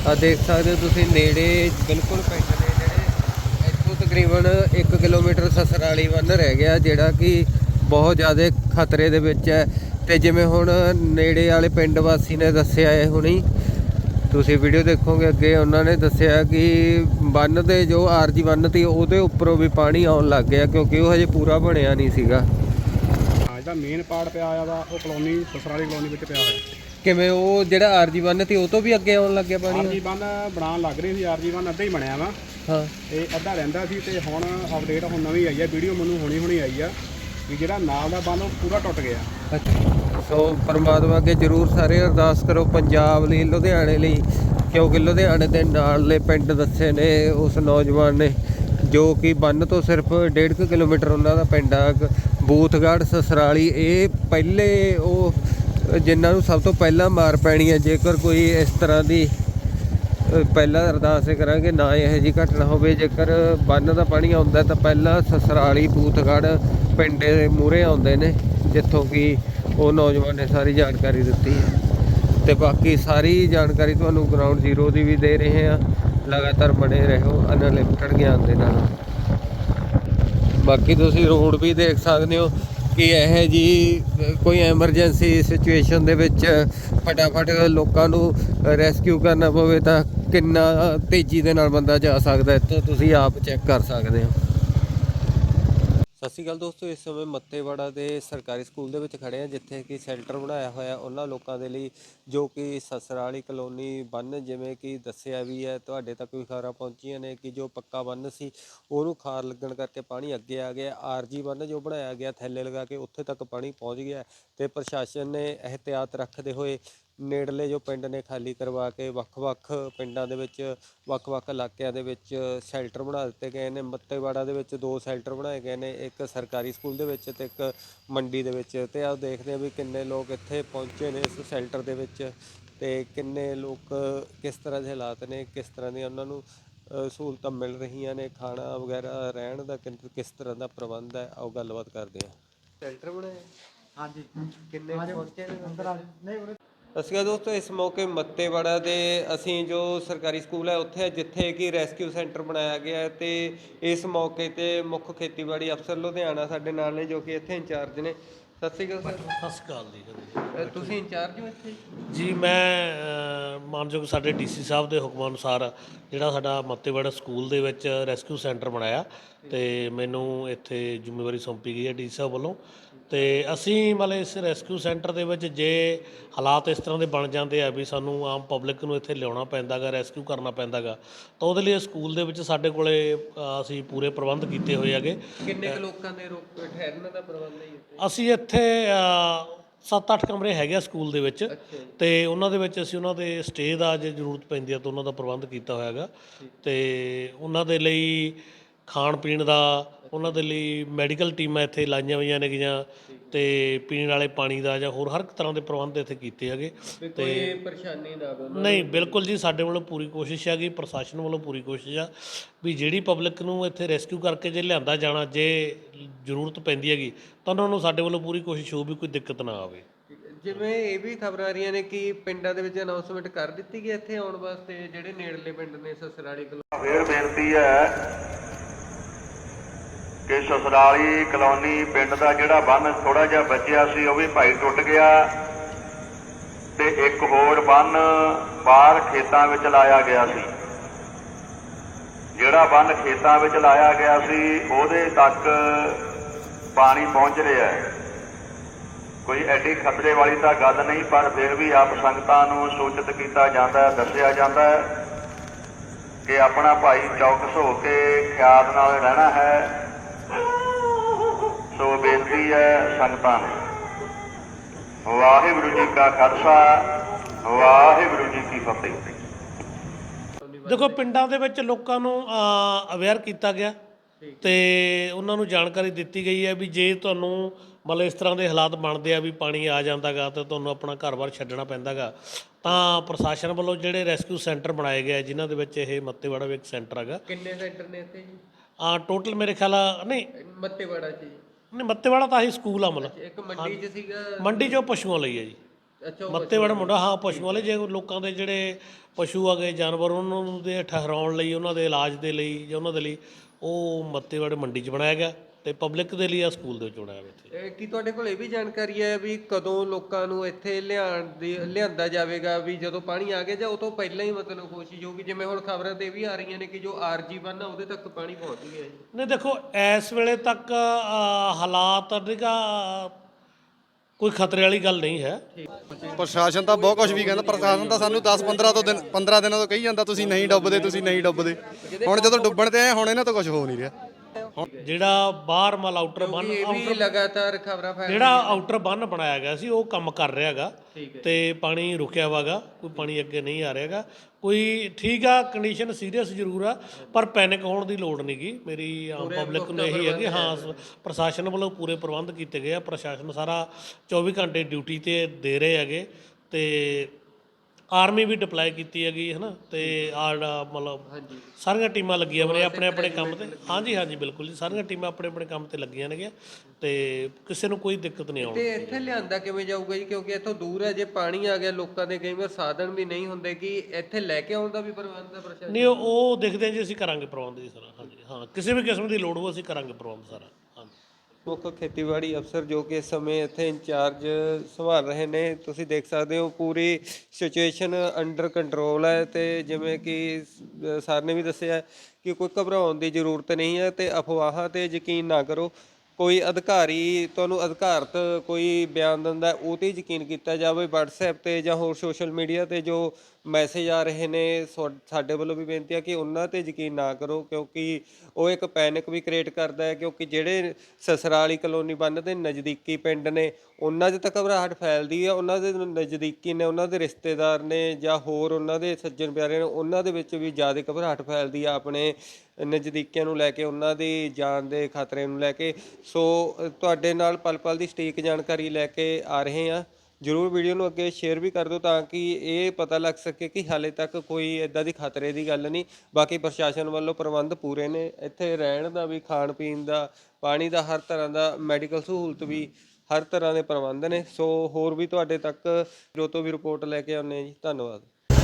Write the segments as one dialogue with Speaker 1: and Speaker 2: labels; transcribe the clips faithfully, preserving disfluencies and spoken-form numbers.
Speaker 1: ਆ ਦੇਖ ਸਕਦੇ ਹੋ ਤੁਸੀਂ ਨੇੜੇ ਬਿਲਕੁਲ ਪਿੰਡ ਨੇ ਜਿਹੜੇ ਇੱਥੋਂ ਤਕਰੀਬਨ ਇੱਕ ਕਿਲੋਮੀਟਰ ਸਸਰਾਲੀ ਵੱਲ ਰਹਿ ਗਿਆ, ਜਿਹੜਾ ਕਿ ਬਹੁਤ ਜ਼ਿਆਦਾ ਖਤਰੇ ਦੇ ਵਿੱਚ ਹੈ। ਤੇ ਜਿਵੇਂ ਹੁਣ ਨੇੜੇ ਵਾਲੇ ਪਿੰਡ ਵਾਸੀ ਨੇ ਦੱਸਿਆ ਹੈ, ਹੁਣੀ ਤੁਸੀਂ ਵੀਡੀਓ ਦੇਖੋਗੇ ਅੱਗੇ, ਉਹਨਾਂ ਨੇ ਦੱਸਿਆ ਕਿ ਬੰਨ ਦੇ ਜੋ ਆਰਜੀ ਬੰਨ ਤੀ ਉਹਦੇ ਉੱਪਰੋਂ ਵੀ ਪਾਣੀ ਆਉਣ ਲੱਗ ਗਿਆ, ਕਿਉਂਕਿ ਉਹ ਹਜੇ ਪੂਰਾ ਬਣਿਆ ਨਹੀਂ ਸੀਗਾ।
Speaker 2: ਜਿਹੜਾ ਮੇਨ ਪਾਰਟ ਪਿਆ ਆ ਵਾ ਉਹ ਕਲੋਨੀ ਸਸਰਾਲੀ ਕਲੋਨੀ ਵਿੱਚ ਪਿਆ ਹੋਇਆ।
Speaker 1: ਕਿਵੇਂ ਉਹ ਜਿਹੜਾ ਆਰਜੀ ਬੰਨ ਤੀ ਉਹ ਤੋਂ ਵੀ ਅੱਗੇ ਆਉਣ ਲੱਗ ਗਿਆ ਪਾਣੀ?
Speaker 2: ਆਰਜੀ ਬੰਨ ਬਣਾਉਣ ਲੱਗ ਰਹੀ ਸੀ, ਆਰਜੀ ਬੰਨ ਅੱਧਾ ਹੀ ਬਣਿਆ ਵਾ।
Speaker 1: ਹਾਂ,
Speaker 2: ਤੇ ਅੱਧਾ ਰਹਿੰਦਾ ਸੀ ਤੇ ਹੁਣ ਅਪਡੇਟ ਹੁਣ ਨਵੀਂ ਆਈ ਆ, ਵੀਡੀਓ ਮੈਨੂੰ ਹੁਣੀ ਹੁਣੀ ਆਈ ਆ ਵੀ ਜਿਹੜਾ ਨਾਲ ਦਾ ਬੰਨ ਉਹ ਪੂਰਾ ਟੁੱਟ ਗਿਆ।
Speaker 1: ਅੱਛਾ, ਸੋ ਪਰਮਾਤਮਾ ਅੱਗੇ ਜ਼ਰੂਰ ਸਾਰੇ ਅਰਦਾਸ ਕਰੋ ਪੰਜਾਬ ਲਈ, ਲੁਧਿਆਣੇ ਲਈ, ਕਿਉਂਕਿ ਲੁਧਿਆਣੇ ਦੇ ਨਾਲੇ ਪਿੰਡ ਦੱਸੇ ਨੇ ਉਸ ਨੌਜਵਾਨ ਨੇ, ਜੋ ਕਿ ਬੰਨ ਤੋਂ ਸਿਰਫ ਡੇਢ ਕੁ ਕਿਲੋਮੀਟਰ ਉਹਨਾਂ ਦਾ ਪਿੰਡ ਆ ਬੂਥਗੜ੍ਹ ਸਸਰਾਲੀ। ਇਹ ਪਹਿਲੇ ਉਹ ਜਿਨ੍ਹਾਂ ਨੂੰ ਸਭ ਤੋਂ ਪਹਿਲਾਂ ਮਾਰ ਪੈਣੀ ਹੈ ਜੇਕਰ ਕੋਈ ਇਸ ਤਰ੍ਹਾਂ ਦੀ, ਪਹਿਲਾਂ ਅਰਦਾਸ ਕਰਾਂਗੇ ਨਾ ਇਹੋ ਜਿਹੀ ਘਟਨਾ ਹੋਵੇ। ਜੇਕਰ ਬੰਨ ਦਾ ਪਾਣੀ ਆਉਂਦਾ ਤਾਂ ਪਹਿਲਾਂ ਸਸਰਾਲੀ ਬੂਥਗੜ੍ਹ ਪਿੰਡ ਦੇ ਮੂਹਰੇ ਆਉਂਦੇ ਨੇ, ਜਿੱਥੋਂ ਕਿ ਉਹ ਨੌਜਵਾਨ ਨੇ ਸਾਰੀ ਜਾਣਕਾਰੀ ਦਿੱਤੀ ਹੈ। ਤੇ ਬਾਕੀ ਸਾਰੀ ਜਾਣਕਾਰੀ ਤੁਹਾਨੂੰ ਗਰਾਊਂਡ ਜ਼ੀਰੋ ਦੀ ਵੀ ਦੇ ਰਹੇ ਹਾਂ, ਲਗਾਤਾਰ ਬਣੇ ਰਹੋ ਅਨਲਿਮਟਿਡ ਗਿਆਨ ਦੇ ਨਾਲ। ਬਾਕੀ ਤੁਸੀਂ ਰੋਡ ਵੀ ਦੇਖ ਸਕਦੇ ਹੋ ਕਿ ਇਹੋ ਜਿਹੀ ਕੋਈ ਐਮਰਜੈਂਸੀ ਸਿਚੁਏਸ਼ਨ ਦੇ ਵਿੱਚ ਫਟਾਫਟ ਲੋਕਾਂ ਨੂੰ ਰੈਸਕਿਊ ਕਰਨਾ ਪਵੇ ਤਾਂ ਕਿੰਨਾ ਤੇਜ਼ੀ ਦੇ ਨਾਲ ਬੰਦਾ ਜਾ ਸਕਦਾ, ਇੱਥੋਂ ਤੁਸੀਂ ਆਪ ਚੈੱਕ ਕਰ ਸਕਦੇ ਹੋ। ਸਤਿ ਸ਼੍ਰੀ ਅਕਾਲ ਦੋਸਤੋ, ਇਸ ਸਮੇਂ ਮੱਤੇਵਾੜਾ ਦੇ ਸਰਕਾਰੀ ਸਕੂਲ ਦੇ ਵਿੱਚ ਖੜ੍ਹੇ ਹਾਂ, ਜਿੱਥੇ ਕਿ ਸ਼ੈਲਟਰ ਬਣਾਇਆ ਹੋਇਆ ਉਹਨਾਂ ਲੋਕਾਂ ਦੇ ਲਈ ਜੋ ਕਿ ਸਸਰਾਲੀ ਕਲੋਨੀ ਬੰਨ, ਜਿਵੇਂ ਕਿ ਦੱਸਿਆ ਵੀ ਹੈ, ਤੁਹਾਡੇ ਤੱਕ ਵੀ ਖਬਰਾਂ ਪਹੁੰਚੀਆਂ ਨੇ ਕਿ ਜੋ ਪੱਕਾ ਬੰਨ ਸੀ ਉਹਨੂੰ ਖਾਰ ਲੱਗਣ ਕਰਕੇ ਪਾਣੀ ਅੱਗੇ ਆ ਗਿਆ। ਆਰਜੀ ਬੰਨ ਜੋ ਬਣਾਇਆ ਗਿਆ ਥੈਲੇ ਲਗਾ ਕੇ ਉੱਥੇ ਤੱਕ ਪਾਣੀ ਪਹੁੰਚ ਗਿਆ, ਤੇ ਪ੍ਰਸ਼ਾਸਨ ਨੇ ਇਹਤਿਆਤ ਰੱਖਦੇ ਹੋਏ ਨੇੜਲੇ ਜੋ ਪਿੰਡ ਨੇ ਖਾਲੀ ਕਰਵਾ ਕੇ ਵੱਖ-ਵੱਖ ਪਿੰਡਾਂ ਦੇ ਵਿੱਚ, ਵੱਖ-ਵੱਖ ਇਲਾਕਿਆਂ ਦੇ ਵਿੱਚ ਸ਼ੈਲਟਰ ਬਣਾ ਦਿੱਤੇ ਗਏ ਨੇ। ਮੱਤੇਵਾੜਾ ਦੇ ਵਿੱਚ ਦੋ ਸ਼ੈਲਟਰ ਬਣਾਏ ਗਏ ਨੇ, ਇੱਕ ਸਰਕਾਰੀ ਸਕੂਲ ਦੇ ਵਿੱਚ ਤੇ ਇੱਕ ਮੰਡੀ ਦੇ ਵਿੱਚ। ਤੇ ਆਹ ਦੇਖਦੇ ਹਾਂ ਵੀ ਕਿੰਨੇ ਲੋਕ ਇੱਥੇ ਪਹੁੰਚੇ ਨੇ ਇਸ ਸ਼ੈਲਟਰ ਦੇ ਵਿੱਚ, ਤੇ ਕਿੰਨੇ ਲੋਕ, ਕਿਸ ਤਰ੍ਹਾਂ ਦੇ ਹਾਲਾਤ ਨੇ, ਕਿਸ ਤਰ੍ਹਾਂ ਦੀਆਂ ਉਹਨਾਂ ਨੂੰ ਸਹੂਲਤਾਂ ਮਿਲ ਰਹੀਆਂ ਨੇ, ਖਾਣਾ ਵਗੈਰਾ, ਰਹਿਣ ਦਾ ਕਿਸ ਤਰ੍ਹਾਂ ਦਾ ਪ੍ਰਬੰਧ ਹੈ। ਆਓ ਗੱਲਬਾਤ ਕਰਦੇ ਹਾਂ। ਸ਼ੈਲਟਰ ਬਣਾਏ? ਹਾਂਜੀ। ਕਿੰਨੇ ਪਹੁੰਚੇ ਨੇ ਅੰਦਰ? ਨਹੀਂ ਸਤਿ ਸ਼੍ਰੀ ਅਕਾਲ ਦੋਸਤੋ, ਇਸ ਮੌਕੇ ਮੱਤੇਵਾੜਾ ਦੇ ਅਸੀਂ ਜੋ ਸਰਕਾਰੀ ਸਕੂਲ ਹੈ ਉੱਥੇ, ਜਿੱਥੇ ਕਿ ਰੈਸਕਿਊ ਸੈਂਟਰ ਬਣਾਇਆ ਗਿਆ, ਤੇ ਇਸ ਮੌਕੇ 'ਤੇ ਮੁੱਖ ਖੇਤੀਬਾੜੀ ਅਫਸਰ ਲੁਧਿਆਣਾ ਸਾਡੇ ਨਾਲ ਨੇ, ਜੋ ਕਿ ਇੱਥੇ ਇੰਚਾਰਜ ਨੇ। ਸਤਿ ਸ਼੍ਰੀ ਅਕਾਲ ਸਰ।
Speaker 3: ਸਤਿ ਸ਼੍ਰੀ ਅਕਾਲ ਜੀ।
Speaker 1: ਤੁਸੀਂ ਇੰਚਾਰਜ ਹੋ ਇੱਥੇ
Speaker 3: ਜੀ? ਮੈਂ ਮਾਨਯੋਗ ਸਾਡੇ ਡੀ ਸੀ ਸਾਹਿਬ ਦੇ ਹੁਕਮਾਂ ਅਨੁਸਾਰ ਜਿਹੜਾ ਸਾਡਾ ਮੱਤੇਵਾੜਾ ਸਕੂਲ ਦੇ ਵਿੱਚ ਰੈਸਕਿਊ ਸੈਂਟਰ ਬਣਾਇਆ, ਅਤੇ ਮੈਨੂੰ ਇੱਥੇ ਜ਼ਿੰਮੇਵਾਰੀ ਸੌਂਪੀ ਗਈ ਹੈ ਡੀ ਸੀ ਸਾਹਿਬ ਵੱਲੋਂ। ਅਤੇ ਅਸੀਂ ਮਤਲਬ ਇਸ ਰੈਸਕਿਊ ਸੈਂਟਰ ਦੇ ਵਿੱਚ ਜੇ ਹਾਲਾਤ ਇਸ ਤਰ੍ਹਾਂ ਦੇ ਬਣ ਜਾਂਦੇ ਆ ਵੀ ਸਾਨੂੰ ਆਮ ਪਬਲਿਕ ਨੂੰ ਇੱਥੇ ਲਿਆਉਣਾ ਪੈਂਦਾ ਗਾ, ਰੈਸਕਿਊ ਕਰਨਾ ਪੈਂਦਾ ਗਾ, ਤਾਂ ਉਹਦੇ ਲਈ ਸਕੂਲ ਦੇ ਵਿੱਚ ਸਾਡੇ ਕੋਲ ਅਸੀਂ ਪੂਰੇ ਪ੍ਰਬੰਧ ਕੀਤੇ ਹੋਏ ਹੈਗੇ।
Speaker 1: ਕਿੰਨੇ ਕੁ ਲੋਕਾਂ ਦੇ ਠਹਿਰਨ ਦਾ ਪ੍ਰਬੰਧ ਹੈ?
Speaker 3: ਅਸੀਂ ਇੱਥੇ ਸੱਤ ਅੱਠ ਕਮਰੇ ਹੈਗੇ ਆ ਸਕੂਲ ਦੇ ਵਿੱਚ, ਅਤੇ ਉਹਨਾਂ ਦੇ ਵਿੱਚ ਅਸੀਂ ਉਹਨਾਂ ਦੇ ਸਟੇਅ ਦਾ ਜੇ ਜ਼ਰੂਰਤ ਪੈਂਦੀ ਹੈ ਤਾਂ ਉਹਨਾਂ ਦਾ ਪ੍ਰਬੰਧ ਕੀਤਾ ਹੋਇਆ ਹੈਗਾ। ਅਤੇ ਉਹਨਾਂ ਦੇ ਲਈ ਖਾਣ ਪੀਣ ਦਾ, ਉਹਨਾਂ ਦੇ ਲਈ ਮੈਡੀਕਲ ਟੀਮਾਂ ਇੱਥੇ ਲਾਈਆਂ ਹੋਈਆਂ ਨੇਗੀਆਂ, ਅਤੇ ਪੀਣ ਵਾਲੇ ਪਾਣੀ ਦਾ ਜਾਂ ਹੋਰ ਹਰ ਇੱਕ ਤਰ੍ਹਾਂ ਦੇ ਪ੍ਰਬੰਧ ਇੱਥੇ ਕੀਤੇ ਹੈਗੇ।
Speaker 1: ਤੇ ਪਰੇਸ਼ਾਨੀ ਨਾ
Speaker 3: ਨਹੀਂ, ਬਿਲਕੁਲ ਜੀ, ਸਾਡੇ ਵੱਲੋਂ ਪੂਰੀ ਕੋਸ਼ਿਸ਼ ਹੈਗੀ, ਪ੍ਰਸ਼ਾਸਨ ਵੱਲੋਂ ਪੂਰੀ ਕੋਸ਼ਿਸ਼ ਆ ਵੀ ਜਿਹੜੀ ਪਬਲਿਕ ਨੂੰ ਇੱਥੇ ਰੈਸਕਿਊ ਕਰਕੇ ਜੇ ਲਿਆਂਦਾ ਜਾਣਾ, ਜੇ ਜ਼ਰੂਰਤ ਪੈਂਦੀ ਹੈਗੀ ਤਾਂ ਉਹਨਾਂ ਨੂੰ ਸਾਡੇ ਵੱਲੋਂ ਪੂਰੀ ਕੋਸ਼ਿਸ਼ ਹੋਊ ਵੀ ਕੋਈ ਦਿੱਕਤ ਨਾ ਆਵੇ।
Speaker 1: ਜਿਵੇਂ ਇਹ ਵੀ ਖਬਰਾਂ ਆ ਰਹੀਆਂ ਨੇ ਕਿ ਪਿੰਡਾਂ ਦੇ ਵਿੱਚ ਅਨਾਉਂਸਮੈਂਟ ਕਰ ਦਿੱਤੀ ਗਈ ਇੱਥੇ ਆਉਣ ਵਾਸਤੇ, ਜਿਹੜੇ ਨੇੜਲੇ ਪਿੰਡ ਨੇ ਸਸਰਾਲੀ ਕਲੋਨੀ।
Speaker 4: ਫੇਰ ਬੇਨਤੀ ਹੈ ਕਿ ਸਸਰਾਲੀ ਕਲੋਨੀ ਪਿੰਡ ਦਾ ਜਿਹੜਾ ਬੰਨ ਥੋੜਾ ਜਿਹਾ ਬਚਿਆ ਸੀ ਉਹ ਵੀ ਭਾਈ ਟੁੱਟ ਗਿਆ, ਤੇ ਇੱਕ ਹੋਰ ਬੰਨ ਬਾਹਰ ਖੇਤਾਂ ਵਿੱਚ ਲਾਇਆ ਗਿਆ ਸੀ। ਜਿਹੜਾ ਬੰਨ ਖੇਤਾਂ ਵਿੱਚ ਲਾਇਆ ਗਿਆ ਸੀ ਉਹਦੇ ਤੱਕ ਪਾਣੀ ਪਹੁੰਚ ਰਿਹਾ ਹੈ। ਕੋਈ ਐਡੀ ਖਤਰੇ ਵਾਲੀ ਤਾਂ ਗੱਲ ਨਹੀਂ, ਪਰ ਫਿਰ ਵੀ ਆਪ ਸੰਗਤਾਂ ਨੂੰ ਸੂਚਿਤ ਕੀਤਾ ਜਾਂਦਾ, ਦੱਸਿਆ ਜਾਂਦਾ ਹੈ ਕਿ ਆਪਣਾ ਭਾਈ ਚੌਕਸ ਹੋ ਕੇ ਖਿਆਲ ਨਾਲ ਰਹਿਣਾ ਹੈ। ਸੋ ਬੇਨਤੀ ਹੈ ਸੰਗਤਾਂ ਨੂੰ। ਵਾਹਿਗੁਰੂ ਜੀ ਕਾ ਖਾਲਸਾ, ਵਾਹਿਗੁਰੂ ਜੀ ਕੀ ਫਤਿਹ।
Speaker 3: ਦੇਖੋ, ਪਿੰਡਾਂ ਦੇ ਵਿੱਚ ਲੋਕਾਂ ਨੂੰ ਅਵੇਅਰ ਕੀਤਾ ਗਿਆ ਅਤੇ ਉਹਨਾਂ ਨੂੰ ਜਾਣਕਾਰੀ ਦਿੱਤੀ ਗਈ ਹੈ ਵੀ ਜੇ ਤੁਹਾਨੂੰ ਮਤਲਬ ਇਸ ਤਰ੍ਹਾਂ ਦੇ ਹਾਲਾਤ ਬਣਦੇ ਆ ਵੀ ਪਾਣੀ ਆ ਜਾਂਦਾ ਗਾ ਤਾਂ ਤੁਹਾਨੂੰ ਆਪਣਾ ਘਰ-ਬਾਰ ਛੱਡਣਾ ਪੈਂਦਾ ਗਾ, ਤਾਂ ਪ੍ਰਸ਼ਾਸਨ ਵੱਲੋਂ ਜਿਹੜੇ ਰੈਸਕਿਊ ਸੈਂਟਰ ਬਣਾਏ ਗਏ ਜਿਨ੍ਹਾਂ ਦੇ ਵਿੱਚ ਇਹ ਮੱਤੇਵਾੜਾ ਵੀ ਇੱਕ ਸੈਂਟਰ ਹੈਗਾ।
Speaker 1: ਕਿੰਨੇ ਸੈਂਟਰ ਨੇ ਇੱਥੇ ਜੀ?
Speaker 3: ਆ ਟੋਟਲ ਮੇਰੇ ਖਿਆਲ ਆ ਨਹੀਂ
Speaker 1: ਮੱਤੇਵਾੜਾ 'ਚ ਜੀ?
Speaker 3: ਨਹੀਂ, ਮੱਤੇਵਾੜਾ ਤਾਂ ਆਹੀ ਸਕੂਲ ਆ, ਮਤਲਬ
Speaker 1: ਇੱਕ ਮੰਡੀ 'ਚ ਸੀਗਾ।
Speaker 3: ਮੰਡੀ 'ਚੋਂ ਪਸ਼ੂਆਂ ਲਈ ਹੈ ਜੀ।
Speaker 1: ਅੱਛਾ,
Speaker 3: ਮੱਤੇਵੜ ਮੁੰਡਾ, ਹਾਂ ਪਸ਼ੂ ਵਾਲੇ। ਜੇ ਲੋਕਾਂ ਦੇ ਜਿਹੜੇ ਪਸ਼ੂ ਆ ਗਏ, ਜਾਨਵਰ, ਉਹਨਾਂ ਨੂੰ ਦੇ ਠਹਿਰਾਉਣ ਲਈ, ਉਹਨਾਂ ਦੇ ਇਲਾਜ ਦੇ ਲਈ ਜਾਂ ਉਹਨਾਂ ਦੇ ਲਈ ਉਹ ਮੱਤੇਵੜ ਮੰਡੀ 'ਚ ਬਣਾਇਆ ਗਿਆ, ਤੇ ਪਬਲਿਕ ਦੇ ਲਈ ਆ ਸਕੂਲ ਦੇ ਵਿੱਚ ਬਣਾਇਆ ਗਿਆ ਇੱਥੇ।
Speaker 1: ਇਹ ਕੀ ਤੁਹਾਡੇ ਕੋਲ ਇਹ ਵੀ ਜਾਣਕਾਰੀ ਹੈ ਵੀ ਕਦੋਂ ਲੋਕਾਂ ਨੂੰ ਇੱਥੇ ਲਿਆਉਣ ਦੀ ਲਿਆਂਦਾ ਜਾਵੇਗਾ, ਵੀ ਜਦੋਂ ਪਾਣੀ ਆ ਗਿਆ ਜਾਂ ਉਹ ਤੋਂ ਪਹਿਲਾਂ ਹੀ ਮਤਲਬ ਕੋਸ਼ਿਸ਼ ਹੋਊਗੀ? ਜਿਵੇਂ ਹੁਣ ਖਬਰਾਂ ਤੇ ਵੀ ਆ ਰਹੀਆਂ ਨੇ ਕਿ ਜੋ ਆਰਜੀ ਬੰਨ ਆ ਉਹਦੇ ਤੱਕ ਪਾਣੀ ਪਹੁੰਚ ਗਿਆ ਜੀ।
Speaker 3: ਨਹੀਂ ਦੇਖੋ, ਇਸ ਵੇਲੇ ਤੱਕ ਅ, ਹਾਲਾਤ ਨਿਗਾ ਕੋਈ ਖਤਰੇ ਵਾਲੀ ਗੱਲ ਨਹੀਂ ਹੈ।
Speaker 5: ਪ੍ਰਸ਼ਾਸਨ ਤਾਂ ਬਹੁਤ ਕੁਝ ਵੀ ਕਹਿੰਦਾ, ਪ੍ਰਸ਼ਾਸਨ ਤਾਂ ਸਾਨੂੰ ਦਸ ਪੰਦਰਾਂ ਤੋਂ ਦਿਨ ਪੰਦਰਾਂ ਦਿਨਾਂ ਤੋਂ ਕਹੀ ਜਾਂਦਾ ਤੁਸੀਂ ਨਹੀਂ ਡੁੱਬਦੇ, ਤੁਸੀਂ ਨਹੀਂ ਡੁੱਬਦੇ। ਹੁਣ ਜਦੋਂ ਡੁੱਬਣ ਤੇ ਆਏ ਹੁਣ ਇਹਨਾਂ ਤੋਂ ਕੁਝ ਹੋ ਨਹੀਂ ਰਿਹਾ।
Speaker 3: ਜਿਹੜਾ ਬਾਹਰ ਮਲ ਆਊਟਰ ਬੰਨ,
Speaker 1: ਇਹ ਵੀ ਲਗਾਤਾਰ ਖਬਰਾਂ ਫੈਲ
Speaker 3: ਜਿਹੜਾ ਆਊਟਰ ਬੰਨ ਬਣਾਇਆ ਗਿਆ ਸੀ ਉਹ ਕੰਮ ਕਰ ਰਿਹਾ ਹੈਗਾ, ਤੇ ਪਾਣੀ ਰੁਕਿਆ ਵਾਗਾ, ਕੋਈ ਪਾਣੀ ਅੱਗੇ ਨਹੀਂ ਆ ਰਿਹਾਗਾ। ਕੋਈ ਠੀਕ ਆ, ਕੰਡੀਸ਼ਨ ਸੀਰੀਅਸ ਜ਼ਰੂਰ ਆ, ਪਰ ਪੈਨਿਕ ਹੋਣ ਦੀ ਲੋੜ ਨਹੀਂ ਗੀ। ਮੇਰੀ ਆਮ ਪਬਲਿਕ ਨੂੰ ਇਹੀ ਹੈ ਕਿ ਹਾਂ, ਪ੍ਰਸ਼ਾਸਨ ਵੱਲੋਂ ਪੂਰੇ ਪ੍ਰਬੰਧ ਕੀਤੇ ਗਏ ਆ। ਪ੍ਰਸ਼ਾਸਨ ਸਾਰਾ ਚੌਵੀ ਘੰਟੇ ਡਿਊਟੀ ਤੇ ਦੇ ਰਹੇ ਹੈਗੇ, ਤੇ ਆਰਮੀ ਵੀ ਡਿਪਲਾਈ ਕੀਤੀ ਹੈਗੀ ਹੈ ਨਾ, ਤੇ ਆੜ ਮਤਲਬ ਸਾਰੀਆਂ ਟੀਮਾਂ ਲੱਗੀਆਂ ਨੇ ਆਪਣੇ ਆਪਣੇ ਕੰਮ ਤੇ। ਹਾਂਜੀ ਹਾਂਜੀ ਬਿਲਕੁਲ ਜੀ, ਸਾਰੀਆਂ ਟੀਮਾਂ ਆਪਣੇ ਆਪਣੇ ਕੰਮ ਤੇ ਲੱਗੀਆਂ ਨੇਗੀਆਂ, ਤੇ ਕਿਸੇ ਨੂੰ ਕੋਈ ਦਿੱਕਤ ਨਹੀਂ ਆਉਣੀ।
Speaker 1: ਤੇ ਇੱਥੇ ਲਿਆਂਦਾ ਕਿਵੇਂ ਜਾਊਗਾ ਜੀ? ਕਿਉਂਕਿ ਇੱਥੋਂ ਦੂਰ ਹੈ, ਜੇ ਪਾਣੀ ਆ ਗਿਆ ਲੋਕਾਂ ਦੇ ਕਈ ਵਾਰ ਸਾਧਨ ਵੀ ਨਹੀਂ ਹੁੰਦੇ, ਕਿ ਇੱਥੇ ਲੈ ਕੇ ਆਉਣ ਦਾ ਵੀ ਪ੍ਰਬੰਧ ਹੈ ਪ੍ਰਸ਼ਾਸਨ?
Speaker 3: ਨਹੀਂ, ਉਹ ਉਹ ਦੇਖਦੇ ਜੀ, ਅਸੀਂ ਕਰਾਂਗੇ ਪ੍ਰਬੰਧ ਜੀ ਸਾਰਾ। ਹਾਂਜੀ ਹਾਂ, ਕਿਸੇ ਵੀ ਕਿਸਮ ਦੀ ਲੋੜ ਹੋ ਅਸੀਂ ਕਰਾਂਗੇ ਪ੍ਰਬੰਧ ਸਾਰਾ। ਹਾਂਜੀ,
Speaker 1: ਮੁੱਖ ਖੇਤੀਬਾੜੀ ਅਫਸਰ ਜੋ ਕਿ ਇਸ ਸਮੇਂ ਇੱਥੇ ਇੰਚਾਰਜ ਸੰਭਾਲ ਰਹੇ ਨੇ, ਤੁਸੀਂ ਦੇਖ ਸਕਦੇ ਹੋ ਪੂਰੀ ਸਿਚੁਏਸ਼ਨ ਅੰਡਰ ਕੰਟਰੋਲ ਹੈ। ਤੇ ਜਿਵੇਂ ਕਿ ਸਰ ਨੇ ਵੀ ਦੱਸਿਆ ਕਿ ਕੋਈ ਘਬਰਾਉਣ ਦੀ ਜ਼ਰੂਰਤ ਨਹੀਂ ਹੈ, ਤੇ ਅਫਵਾਹਾਂ ਤੇ ਯਕੀਨ ਨਾ ਕਰੋ। ਕੋਈ ਅਧਿਕਾਰੀ ਤੁਹਾਨੂੰ ਅਧਿਕਾਰਤ ਕੋਈ ਬਿਆਨ ਦਿੰਦਾ ਉਹ 'ਤੇ ਯਕੀਨ ਕੀਤਾ ਜਾਵੇ। ਵਟਸਐਪ 'ਤੇ ਜਾਂ ਹੋਰ ਸੋਸ਼ਲ ਮੀਡੀਆ 'ਤੇ ਜੋ ਮੈਸੇਜ ਆ ਰਹੇ ਨੇ, ਸਾਡੇ ਵੱਲੋਂ ਵੀ ਬੇਨਤੀ ਹੈ ਕਿ ਉਹਨਾਂ 'ਤੇ ਯਕੀਨ ਨਾ ਕਰੋ, ਕਿਉਂਕਿ ਉਹ ਇੱਕ ਪੈਨਿਕ ਵੀ ਕ੍ਰੀਏਟ ਕਰਦਾ ਹੈ। ਕਿਉਂਕਿ ਜਿਹੜੇ ਸਸਰਾਲੀ ਕਲੋਨੀ ਬੰਨ੍ਹ ਦੇ ਨਜ਼ਦੀਕੀ ਪਿੰਡ ਨੇ, ਉਹਨਾਂ 'ਚ ਤਾਂ ਘਬਰਾਹਟ ਫੈਲਦੀ ਹੈ। ਉਹਨਾਂ ਦੇ ਨਜ਼ਦੀਕੀ ਨੇ, ਉਹਨਾਂ ਦੇ ਰਿਸ਼ਤੇਦਾਰ ਨੇ, ਜਾਂ ਹੋਰ ਉਹਨਾਂ ਦੇ ਸੱਜਣ ਪਿਆਰੇ ਨੇ, ਉਹਨਾਂ ਦੇ ਵਿੱਚ ਵੀ ਜ਼ਿਆਦਾ ਘਬਰਾਹਟ ਫੈਲਦੀ ਆ ਆਪਣੇ ਨਜ਼ਦੀਕੀਆਂ ਨੂੰ ਲੈ ਕੇ, ਉਹਨਾਂ ਦੀ ਜਾਨ ਦੇ ਖਤਰੇ ਨੂੰ ਲੈ ਕੇ। ਸੋ ਤੁਹਾਡੇ ਨਾਲ ਪਲ ਪਲ ਦੀ ਸਟੀਕ ਜਾਣਕਾਰੀ ਲੈ ਕੇ ਆ ਰਹੇ ਹਾਂ। ਜ਼ਰੂਰ ਵੀਡੀਓ ਨੂੰ ਅੱਗੇ ਸ਼ੇਅਰ ਵੀ ਕਰ ਦਿਓ, ਤਾਂ ਕਿ ਇਹ ਪਤਾ ਲੱਗ ਸਕੇ ਕਿ ਹਾਲੇ ਤੱਕ ਕੋਈ ਇੱਦਾਂ ਦੀ ਖਤਰੇ ਦੀ ਗੱਲ ਨਹੀਂ। ਬਾਕੀ ਪ੍ਰਸ਼ਾਸਨ ਵੱਲੋਂ ਪ੍ਰਬੰਧ ਪੂਰੇ ਨੇ, ਇੱਥੇ ਰਹਿਣ ਦਾ ਵੀ, ਖਾਣ ਪੀਣ ਦਾ, ਪਾਣੀ ਦਾ, ਹਰ ਤਰ੍ਹਾਂ ਦਾ, ਮੈਡੀਕਲ ਸਹੂਲਤ ਵੀ, ਹਰ ਤਰ੍ਹਾਂ ਦੇ ਪ੍ਰਬੰਧ ਨੇ। ਸੋ ਹੋਰ ਵੀ ਤੁਹਾਡੇ ਤੱਕ ਜੋ ਤੋਂ ਵੀ ਰਿਪੋਰਟ ਲੈ ਕੇ ਆਉਂਦੇ ਹਾਂ ਜੀ। ਧੰਨਵਾਦ।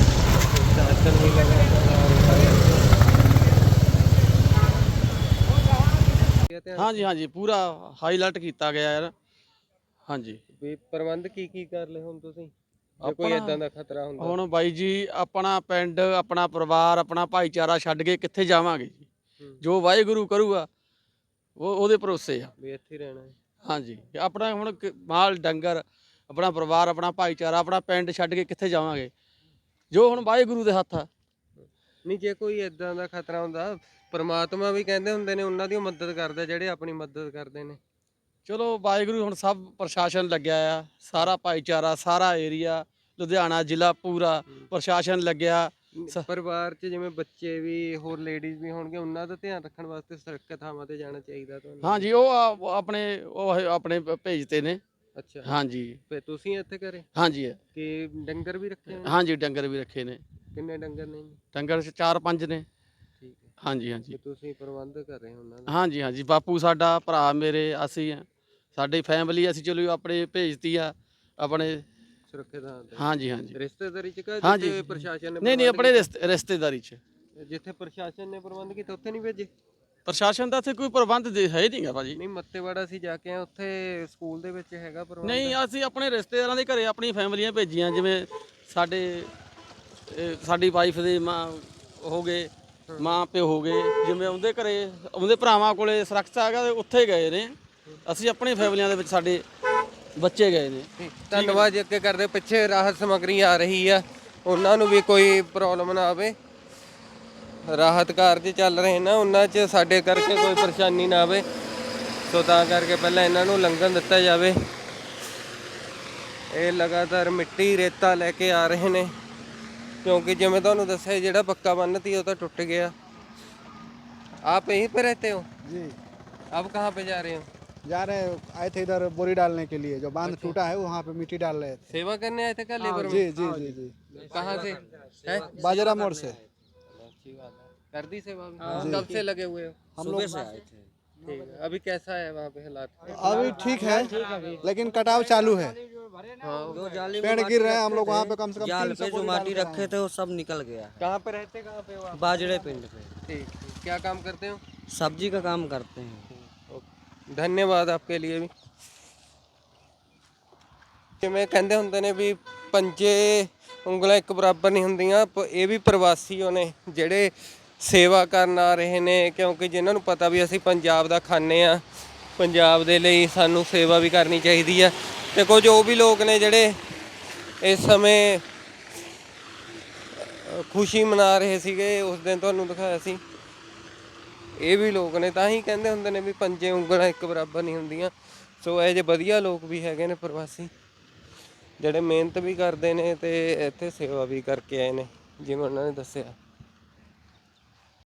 Speaker 6: ਹਾਂਜੀ ਹਾਂਜੀ ਪੂਰਾ ਹਾਈ ਅਲਰਟ ਕੀਤਾ ਗਿਆ ਯਾਰ। ਹਾਂਜੀ,
Speaker 1: ਵੀ ਪ੍ਰਬੰਧ ਕੀ ਕੀ ਕਰ ਲਏ ਹੁਣ ਤੁਸੀਂ, ਜੇ ਕੋਈ ਇਦਾਂ ਦਾ ਖਤਰਾ ਹੁੰਦਾ?
Speaker 6: ਹੁਣ ਬਾਈ ਜੀ, ਆਪਣਾ ਪਿੰਡ, ਆਪਣਾ ਪਰਿਵਾਰ, ਆਪਣਾ ਭਾਈਚਾਰਾ ਛੱਡ ਕੇ ਕਿੱਥੇ ਜਾਵਾਂਗੇ ਜੀ? ਜੋ ਵਾਹਿਗੁਰੂ ਕਰੂਗਾ ਉਹ ਉਹਦੇ ਭਰੋਸੇ ਆ,
Speaker 1: ਵੀ ਇੱਥੇ ਰਹਿਣਾ ਹੈ।
Speaker 6: ਹਾਂਜੀ, ਆਪਣਾ ਹੁਣ ਕ- ਮਾਲ ਡੰਗਰ, ਆਪਣਾ ਪਰਿਵਾਰ, ਆਪਣਾ ਭਾਈਚਾਰਾ, ਆਪਣਾ ਪਿੰਡ ਛੱਡ ਕੇ ਕਿੱਥੇ ਜਾਵਾਂਗੇ? ਜੋ ਹੁਣ ਵਾਹਿਗੁਰੂ ਦੇ ਹੱਥ ਆ।
Speaker 1: ਨਹੀਂ, ਜੇ ਕੋਈ ਇਦਾਂ ਦਾ ਖਤਰਾ ਹੁੰਦਾ, ਪਰਮਾਤਮਾ ਵੀ ਕਹਿੰਦੇ ਹੁੰਦੇ ਨੇ ਉਹਨਾਂ ਦੀ ਮਦਦ ਕਰਦਾ ਜਿਹੜੇ ਆਪਣੀ ਮਦਦ ਕਰਦੇ ਨੇ।
Speaker 6: ਚਲੋ ਵਾਹਿਗੁਰੂ, ਹੁਣ ਸਭ ਪ੍ਰਸ਼ਾਸਨ ਲੱਗਿਆ ਆ, ਸਾਰਾ ਭਾਈਚਾਰਾ, ਸਾਰਾ ਏਰੀਆ, ਲੁਧਿਆਣਾ ਜ਼ਿਲ੍ਹਾ ਪੂਰਾ ਪ੍ਰਸ਼ਾਸਨ ਲੱਗਿਆ।
Speaker 1: ਪਰਿਵਾਰ 'ਚ ਜਿਵੇਂ ਬੱਚੇ ਵੀ, ਹੋਰ ਲੇਡੀਜ਼ ਵੀ ਹੋਣਗੇ, ਉਹਨਾਂ ਦਾ ਧਿਆਨ ਰੱਖਣ ਵਾਸਤੇ ਸੁਰੱਖਿਅਤ ਥਾਵਾਂ ਤੇ ਜਾਣਾ ਚਾਹੀਦਾ ਤੁਹਾਨੂੰ।
Speaker 6: ਹਾਂਜੀ, ਉਹ ਆ- ਆਪਣੇ ਉਹ ਆਪਣੇ ਭੇਜਤੇ ਨੇ।
Speaker 1: ਅੱਛਾ,
Speaker 6: ਹਾਂਜੀ
Speaker 1: ਫੇ ਤੁਸੀਂ ਇੱਥੇ ਘਰੇ
Speaker 6: ਹਾਂਜੀ
Speaker 1: ਕਿ ਡੰਗਰ ਵੀ ਰੱਖੇ ਨੇ?
Speaker 6: ਹਾਂਜੀ, ਡੰਗਰ ਵੀ ਰੱਖੇ ਨੇ।
Speaker 1: ਕਿੰਨੇ ਡੰਗਰ ਨੇ ਜੀ?
Speaker 6: ਡੰਗਰ ਚਾਰ ਪੰਜ ਨੇ।
Speaker 1: ਠੀਕ ਹੈ,
Speaker 6: ਹਾਂਜੀ ਹਾਂਜੀ
Speaker 1: ਤੇ ਤੁਸੀਂ ਪ੍ਰਬੰਧ ਕਰ ਰਹੇ ਹੋ ਉਹਨਾਂ ਦਾ?
Speaker 6: ਹਾਂਜੀ ਹਾਂਜੀ, ਬਾਪੂ ਸਾਡਾ, ਭਰਾ ਮੇਰੇ, ਅਸੀਂ ਆ, ਸਾਡੀ ਫੈਮਿਲੀ, ਅਸੀਂ ਚਲੋ ਆਪਣੇ ਭੇਜਤੀ ਆ ਆਪਣੇ
Speaker 1: ਸੁਰੱਖਿਅਤ ਥਾਂ ਤੇ।
Speaker 6: ਹਾਂਜੀ ਹਾਂਜੀ
Speaker 1: ਰਿਸ਼ਤੇਦਾਰੀ 'ਚ ਕਿ
Speaker 6: ਹਾਂਜੀ।
Speaker 1: ਜਿੱਥੇ ਪ੍ਰਸ਼ਾਸਨ ਨੇ
Speaker 6: ਨਹੀਂ ਨਹੀਂ, ਆਪਣੇ ਰਿਸ਼ਤੇ- ਰਿਸ਼ਤੇਦਾਰੀ 'ਚ।
Speaker 1: ਜਿੱਥੇ ਪ੍ਰਸ਼ਾਸਨ ਨੇ ਪ੍ਰਬੰਧ ਕੀਤਾ ਉੱਥੇ ਨਹੀਂ ਭੇਜੇ?
Speaker 6: ਪ੍ਰਸ਼ਾਸਨ ਦਾ ਇੱਥੇ ਕੋਈ ਪ੍ਰਬੰਧ ਦੇ ਹੈ ਨਹੀਂਗਾ ਭਾਜੀ।
Speaker 1: ਨਹੀਂ, ਮੱਤੇਵਾੜਾ ਅਸੀਂ ਜਾ ਕੇ ਆਏ, ਉੱਥੇ ਸਕੂਲ ਦੇ ਵਿੱਚ ਹੈਗਾ ਪ੍ਰਬੰਧ?
Speaker 6: ਨਹੀਂ, ਅਸੀਂ ਆਪਣੇ ਰਿਸ਼ਤੇਦਾਰਾਂ ਦੇ ਘਰੇ ਆਪਣੀ ਫੈਮਲੀਆਂ ਭੇਜੀਆਂ, ਜਿਵੇਂ ਸਾਡੇ ਇਹ ਸਾਡੀ ਵਾਈਫ ਦੇ ਮਾਂ ਹੋ ਗਏ, ਮਾਂ ਪਿਓ ਹੋ ਗਏ, ਜਿਵੇਂ ਉਹਦੇ ਘਰੇ, ਉਹਦੇ ਭਰਾਵਾਂ ਕੋਲੇ ਸੁਰੱਖਿਅਤ ਹੈਗਾ, ਉੱਥੇ ਗਏ ਨੇ। ਅਸੀਂ ਆਪਣੀ ਫੈਮਲੀਆਂ ਦੇ ਵਿੱਚ ਸਾਡੇ ਬੱਚੇ ਗਏ ਨੇ।
Speaker 1: ਧੰਨਵਾਦ ਜੀ। ਅੱਗੇ ਕਰਦੇ, ਪਿੱਛੇ ਰਾਹਤ ਸਮੱਗਰੀ ਆ ਰਹੀ ਆ, ਉਹਨਾਂ ਨੂੰ ਵੀ ਕੋਈ ਪ੍ਰੋਬਲਮ ਨਾ ਆਵੇ। ਰਾਹਤ ਕਾਰਜ ਚੱਲ ਰਹੇ ਨਾ, ਉਹਨਾਂ 'ਚ ਸਾਡੇ ਕਰਕੇ ਕੋਈ ਪਰੇਸ਼ਾਨੀ ਨਾ ਆਵੇ। ਸੋ ਤਾਂ ਕਰਕੇ ਪਹਿਲਾਂ ਇਹਨਾਂ ਨੂੰ ਲੰਘਣ ਦਿੱਤਾ ਜਾਵੇ। ਇਹ ਲਗਾਤਾਰ ਮਿੱਟੀ, ਰੇਤਾ ਲੈ ਕੇ ਆ ਰਹੇ ਨੇ, क्योंकि जिवें तुहानूं दस्सिया जिहड़ा पक्का बन्न थी वो तो टुट गया। आप यहीं पे रहते हो
Speaker 7: जी?
Speaker 1: अब कहाँ पे जा रहे हो?
Speaker 7: जा रहे हैं, आए थे इधर बोरी डालने के लिए, जो बांध टूटा है वहाँ पे मिट्टी डाल रहे थे।
Speaker 1: सेवा करने आए थे क्या लेबर
Speaker 7: जी
Speaker 1: में?
Speaker 7: जी जी जी
Speaker 1: कहाँ से है?
Speaker 7: बाजरा मोड़ से।
Speaker 1: अच्छी बात है। कर दी सेवा भी? कब से लगे हुए हो?
Speaker 7: हम लोग से आए थे।
Speaker 1: ठीक है, अभी कैसा है वहाँ पे हालात?
Speaker 7: अभी ठीक है लेकिन कटाव चालू है,
Speaker 8: जो जाली में
Speaker 7: पेड़
Speaker 8: माटी
Speaker 7: गिर रहे हैं।
Speaker 8: रखे
Speaker 7: हम लोग
Speaker 8: थे,
Speaker 7: वहाँ पे कम से कम
Speaker 8: जाल
Speaker 7: तीन सौ
Speaker 8: पे जो
Speaker 7: बोरी
Speaker 8: माटी
Speaker 7: डाल के
Speaker 8: रखे
Speaker 7: आए
Speaker 8: थे वो सब निकल गया।
Speaker 1: कहाँ पे रहते, कहाँ पे हो आप?
Speaker 8: बाजरे पिंड पे
Speaker 1: ठीक ठीक। क्या काम करते हो?
Speaker 8: सब्जी का काम करते हैं।
Speaker 1: ਧੰਨਵਾਦ आपके लिए भी। ਜਿਵੇਂ ਕਹਿੰਦੇ ਹੁੰਦੇ ਨੇ ਵੀ ਪੰਜੇ ਉਂਗਲਾਂ ਇੱਕ ਬਰਾਬਰ ਨਹੀਂ ਹੁੰਦੀਆਂ, ਪ- ਇਹ ਵੀ ਪ੍ਰਵਾਸੀ ਉਹ ਨੇ ਜਿਹੜੇ ਸੇਵਾ ਕਰਨ ਆ ਰਹੇ ਨੇ, ਕਿਉਂਕਿ ਜਿਨ੍ਹਾਂ ਨੂੰ ਪਤਾ ਵੀ ਅਸੀਂ ਪੰਜਾਬ ਦਾ ਖਾਂਦੇ ਆ, ਪੰਜਾਬ ਦੇ ਲਈ ਸਾਨੂੰ ਸੇਵਾ ਵੀ ਕਰਨੀ ਚਾਹੀਦੀ ਆ। ਤੇ ਕੁਝ ਉਹ ਵੀ ਲੋਕ ਨੇ ਜਿਹੜੇ ਇਸ ਸਮੇਂ ਅ, ਖੁਸ਼ੀ ਮਨਾ ਰਹੇ ਸੀਗੇ, ਉਸ ਦਿਨ ਤੁਹਾਨੂੰ ਦਿਖਾਇਆ ਸੀ। ਇਹ ਵੀ ਲੋਕ ਨੇ, ਤਾਂ ਹੀ ਕਹਿੰਦੇ ਹੁੰਦੇ ਨੇ ਵੀ ਪੰਜੇ ਉਂਗਲਾਂ ਇੱਕ ਬਰਾਬਰ ਨਹੀਂ ਹੁੰਦੀਆਂ। ਸੋ ਇਹ ਜਿਹੇ ਵਧੀਆ ਲੋਕ ਵੀ ਹੈਗੇ ਨੇ ਪ੍ਰਵਾਸੀ, ਜਿਹੜੇ ਮਿਹਨਤ ਵੀ ਕਰਦੇ ਨੇ ਤੇ ਇੱਥੇ ਸੇਵਾ ਵੀ ਕਰਕੇ ਆਏ ਨੇ, ਜਿਵੇਂ ਉਹਨਾਂ ਨੇ ਦੱਸਿਆ।